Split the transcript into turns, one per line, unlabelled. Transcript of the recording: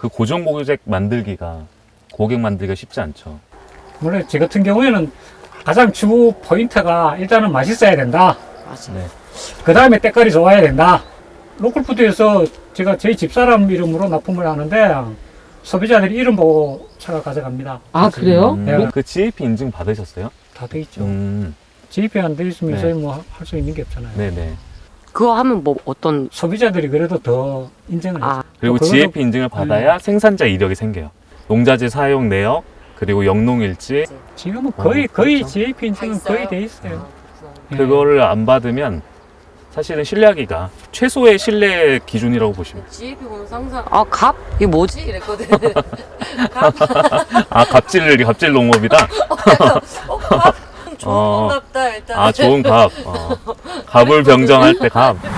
그 고정 고객 만들기가 쉽지 않죠.
물론 제 같은 경우에는 가장 주 포인트가 일단은 맛있어야 된다.
맞아.
네.
그 다음에 때깔이 좋아야 된다. 로컬푸드에서 제가 저희 집사람 이름으로 납품을 하는데 소비자들이 이름 보고 차가 가져갑니다.
아, 그래요?
네.
그 GAP 인증 받으셨어요?
다 돼 있죠.
음.
GP 안 돼 있으면
네.
저희 뭐 할 수 있는 게 없잖아요.
네네.
그거 하면 뭐 어떤,
소비자들이 그래도 더 인정을 해요.
아,
그리고
그거는-
GAP 인증을 받아야 생산자 이력이 생겨요. 농자재 사용 내역, 그리고 영농일지.
지금은 거의
그렇죠.
GAP 인증은 거의 돼 있어요. 예.
그거를 안 받으면 사실은 신뢰하기가 최소의 신뢰 기준이라고 보시면.
GAP 보면 항상, 아, 갑? 이게 뭐지? 이랬거든. 갑?
아, 갑질 농업이다?
갑? 좋은
어.
건갑다, 일단.
아, 좋은 갑. 갑을 병정할 때 갑.